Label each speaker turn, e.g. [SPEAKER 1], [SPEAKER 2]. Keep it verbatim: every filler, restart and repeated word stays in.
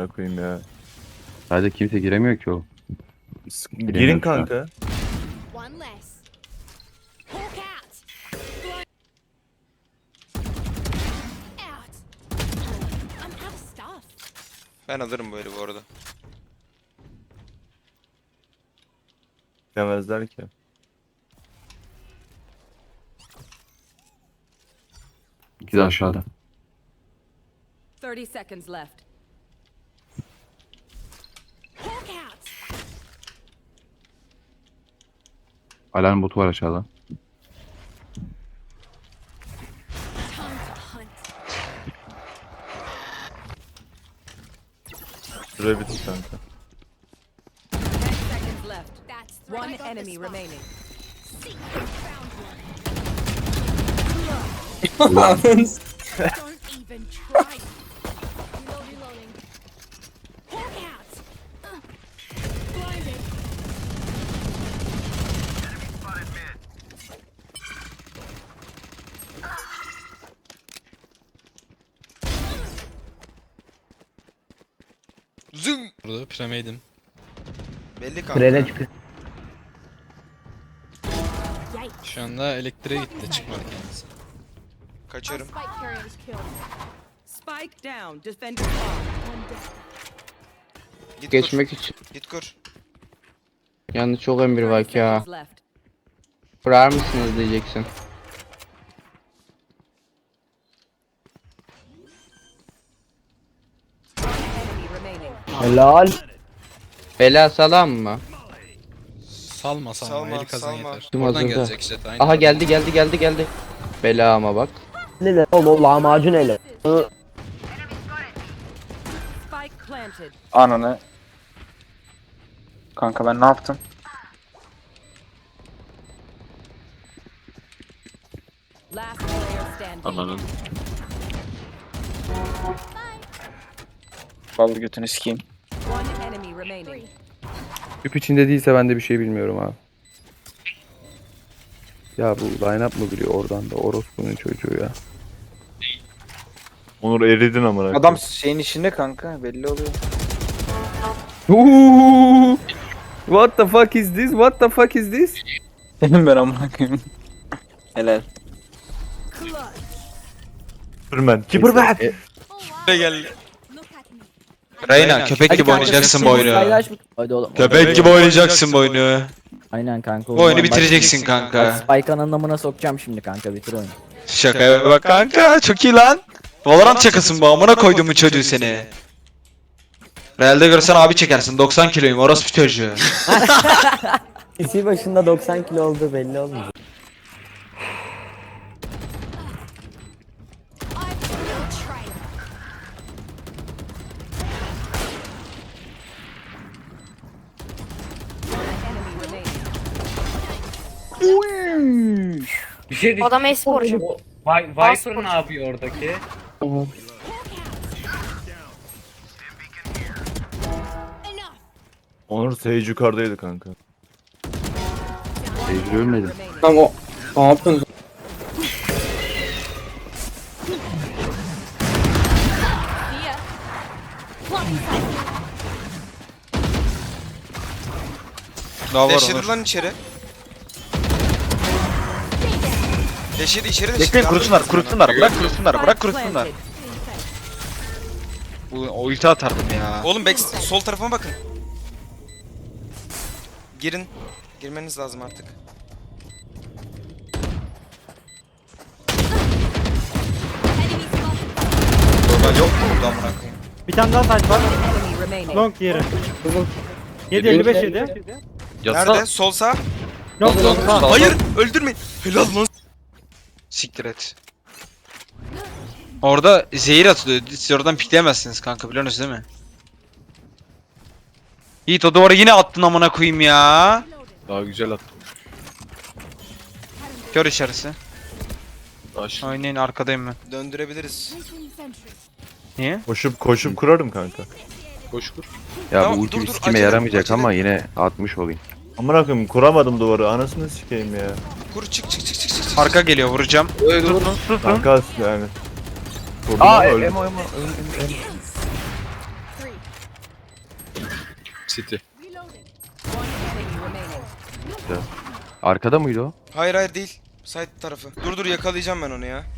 [SPEAKER 1] amına koyayım ya.
[SPEAKER 2] Sadece kimse giremiyor ki o.
[SPEAKER 1] Girin
[SPEAKER 2] Giremiyorum şu an.
[SPEAKER 1] kanka.
[SPEAKER 3] One less. Hawk out. Out. I'm out of stuff.
[SPEAKER 4] Ben alırım böyle bu arada.
[SPEAKER 1] Demezler ki.
[SPEAKER 2] İkisi de aşağıda.
[SPEAKER 5] thirty seconds left.
[SPEAKER 3] Hawk out.
[SPEAKER 2] Alarm botu var aşağıda.
[SPEAKER 3] Time to hunt.
[SPEAKER 1] Şuraya bitir kanka.
[SPEAKER 5] ten seconds left.
[SPEAKER 3] That's three.
[SPEAKER 5] One
[SPEAKER 3] I got
[SPEAKER 5] enemy
[SPEAKER 3] the spot.
[SPEAKER 5] remaining.
[SPEAKER 3] See, found one.
[SPEAKER 6] Ananı
[SPEAKER 3] Don't even try. Reload, reloading. Hawk out. Uh, blinded.
[SPEAKER 4] Zım.
[SPEAKER 7] Burada piramidin.
[SPEAKER 4] Belli kanka.
[SPEAKER 6] Trene çıkıyor.
[SPEAKER 3] Yikes.
[SPEAKER 7] Şu anda elektriğe gitti çıkmadı kendisi.
[SPEAKER 3] Our
[SPEAKER 4] Kaçarım.
[SPEAKER 3] spike carrier is killed.
[SPEAKER 5] Spike down. Defender spawn.
[SPEAKER 3] One dead.
[SPEAKER 4] Git
[SPEAKER 6] Geçmek için.
[SPEAKER 4] kur. Git kur.
[SPEAKER 6] Yalnız çok emir var
[SPEAKER 5] thirty
[SPEAKER 6] ya.
[SPEAKER 5] seconds left.
[SPEAKER 6] Kurar mısınız diyeceksin.
[SPEAKER 5] Enemy remaining.
[SPEAKER 6] Helal. Bela salam mı?
[SPEAKER 7] Salma salma,
[SPEAKER 4] Salma,
[SPEAKER 7] eli kazan
[SPEAKER 4] salma.
[SPEAKER 7] yeter.
[SPEAKER 6] Tüm
[SPEAKER 7] Oradan
[SPEAKER 6] hazırda.
[SPEAKER 7] gelecek jet aynı.
[SPEAKER 6] Aha geldi geldi geldi geldi. Bela ama bak.
[SPEAKER 8] Ne oğlum lahmacun ele.
[SPEAKER 5] Spike planted.
[SPEAKER 9] Ananı. Kanka ben ne yaptım?
[SPEAKER 5] Last player standing.
[SPEAKER 2] Ananın.
[SPEAKER 9] Vallahi götünü sikeyim.
[SPEAKER 5] One enemy remaining.
[SPEAKER 2] Küp içinde değilse ben de bir şey bilmiyorum abi. Ya bu line-up mı biliyor oradan da orospunun çocuğu ya.
[SPEAKER 1] Onur eridin amına koyayım.
[SPEAKER 9] Adam şeyin içinde kanka belli oluyor.
[SPEAKER 2] Ooh! What the fuck is this? What the fuck is this?
[SPEAKER 9] Benim ben amına koyayım. Helal.
[SPEAKER 1] Superman. Superman.
[SPEAKER 2] E,
[SPEAKER 4] Buraya gel.
[SPEAKER 3] Look at me.
[SPEAKER 4] Reyna köpek gibi oynayacaksın bu oyunu.
[SPEAKER 8] Paylaşmış. Hadi oğlum.
[SPEAKER 4] Köpek gibi oynayacaksın bu oyunu.
[SPEAKER 8] Aynen kanka.
[SPEAKER 4] Bu oyunu bitireceksin kanka.
[SPEAKER 8] Spike'ın anlamına sokacağım şimdi kanka bitir oyunu.
[SPEAKER 4] Şakaya bak kanka, çok iyi lan. Valorant şakasın bu, amına koyduğumun çocuğu seni. Realde görsen abi çekersin, doksan kiloyum orospu çocuğu.
[SPEAKER 8] İsi başında doksan kilo olduğu belli olmuyor.
[SPEAKER 3] I'm no traitor.
[SPEAKER 5] Enemy remaining.
[SPEAKER 10] Bir şey diyeceğim.
[SPEAKER 3] Adam esporcu.
[SPEAKER 10] Vi- Viper ne yapıyor oradaki?
[SPEAKER 3] Enough.
[SPEAKER 1] Onur Sage yukarıdaydı kanka.
[SPEAKER 2] Tecrübe ölmedi.
[SPEAKER 5] Remaining.
[SPEAKER 6] Tamam o. Ne yaptın?
[SPEAKER 3] See ya. Blocking sight.
[SPEAKER 4] Daha var Deşirdi lan içeri. Deşirdi içeri deşirdi.
[SPEAKER 9] Bekleyin kurusunlar kurusunlar bırak kurusunlar bırak
[SPEAKER 5] Spike
[SPEAKER 9] kurusunlar.
[SPEAKER 5] planted.
[SPEAKER 9] O ulti atardım ya.
[SPEAKER 4] Oğlum back sol tarafıma bakın. Girin. Girmeniz lazım artık.
[SPEAKER 3] Enemy spotted.
[SPEAKER 4] Normal yok mu burada amına koyayım?
[SPEAKER 8] Bir tane daha saç var.
[SPEAKER 5] Enemy remaining.
[SPEAKER 8] Long yeri. yedi elli beş yedi.
[SPEAKER 4] Nerede? Sol sağ.
[SPEAKER 8] Long long sağ.
[SPEAKER 4] Hayır, öldürmeyin. Helal lan. Siktir et. Orada zehir atılıyor. Siz oradan pikleyemezsiniz kanka, biliyorsunuz değil mi? Yiğit o duvara yine attın amına koyayım ya.
[SPEAKER 2] Daha güzel attım.
[SPEAKER 4] Kör içerisi.
[SPEAKER 2] Taş.
[SPEAKER 4] Oynayın, arkadayım ben. Döndürebiliriz.
[SPEAKER 3] Placing sentry.
[SPEAKER 4] Niye?
[SPEAKER 1] Koşup koşup kurarım kanka.
[SPEAKER 2] Koş kur. Ya
[SPEAKER 4] Tamam,
[SPEAKER 2] bu ulti
[SPEAKER 4] dur,
[SPEAKER 2] bir
[SPEAKER 4] dur,
[SPEAKER 2] sikime
[SPEAKER 4] acele,
[SPEAKER 2] yaramayacak
[SPEAKER 4] acele.
[SPEAKER 2] ama yine atmış olayım.
[SPEAKER 1] Amına koyayım kuramadım duvarı. Anasını sikeyim ya.
[SPEAKER 4] Kur çık çık çık çık çık. Arka geliyor, vuracağım.
[SPEAKER 1] Kanka yani. Vurdum
[SPEAKER 2] Aa
[SPEAKER 1] ama
[SPEAKER 2] emo
[SPEAKER 1] öldüm.
[SPEAKER 2] emo emo.
[SPEAKER 3] Three.
[SPEAKER 11] City.
[SPEAKER 5] One enemy remaining.
[SPEAKER 2] Arkada mıydı o?
[SPEAKER 12] Hayır hayır değil. Side tarafı. Dur dur yakalayacağım ben onu ya.